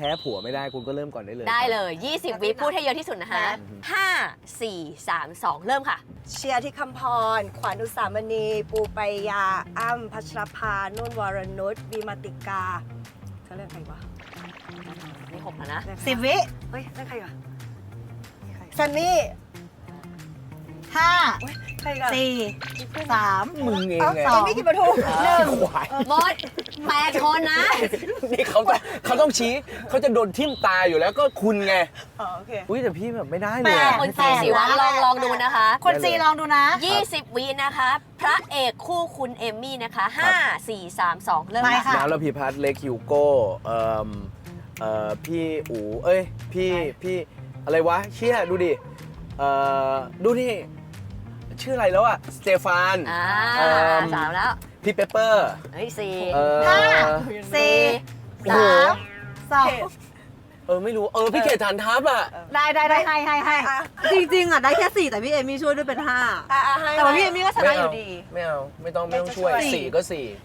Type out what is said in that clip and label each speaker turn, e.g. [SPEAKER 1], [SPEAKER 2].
[SPEAKER 1] พ้ผัวไม่ได้คุณก็เริ่มก่อนได้เลย
[SPEAKER 2] ได้เลย 20 วิพูดให้เยอะที่สุดนะคะ5 4 3 2 เริ่มค่ะ
[SPEAKER 3] เชียร์ที่คำพร ขวัญอุสามณี ปูปายา อ้ำพัชรภา นุ่นวรนุชวีมาติกาเขาเรียกใครวะ
[SPEAKER 2] นี่6แล้วนะ
[SPEAKER 4] 10 วิ
[SPEAKER 3] เฮ้ยเรียกใครวะซันนี่
[SPEAKER 4] 5
[SPEAKER 3] ใครกัน
[SPEAKER 4] 4 3
[SPEAKER 1] มึงเอง
[SPEAKER 3] เอ้า
[SPEAKER 1] ไง
[SPEAKER 3] เอมี่กินปทุม
[SPEAKER 1] ควาย
[SPEAKER 2] หมด8 คนนะ
[SPEAKER 1] นี่เขาต้องชี้เขาจะโดนทิ่มตาอยู่แล้วก็คุณไง
[SPEAKER 3] อ๋อโอเค
[SPEAKER 1] อุ้ยแต่พี่แบบไม่ได้เลยอะ
[SPEAKER 2] คนซีสิวัลลองดูนะคะ
[SPEAKER 4] คนจีลองดูนะ
[SPEAKER 2] 20 วินะคะ พระเอกคู่คุณเอมมี่นะคะ 5 4 3 2 เริ่ม
[SPEAKER 4] ไป
[SPEAKER 2] ค่ะ
[SPEAKER 4] ค่ะ
[SPEAKER 1] น้ำระพีพัฒน์เล็กฮิวโก้พี่อู๋เอ้ยพี่อะไรวะเชี่ยดูดิดูนี่ชื่ออะไรแล้วอะสเตฟาน
[SPEAKER 2] 3 แล้ว
[SPEAKER 1] พี่เปเปอร์
[SPEAKER 2] เฮ้ย4
[SPEAKER 4] 5 4
[SPEAKER 1] โอ้โห
[SPEAKER 4] 3 2
[SPEAKER 1] ไม่รู้พี่เขตฐานทัพอะ
[SPEAKER 4] ได้ให้
[SPEAKER 3] อ่ะ
[SPEAKER 5] จริงๆอ่ะได้แค่4แต่พี่เอมี่ช่วยด้วยเป็น5
[SPEAKER 3] ให้
[SPEAKER 5] แต่ว่าพี่เอมี่ก็ชนะอยู่ดี
[SPEAKER 1] ไม่ต้องช่วย
[SPEAKER 3] ไม่ต้องช่วย
[SPEAKER 1] 4 ก็ 4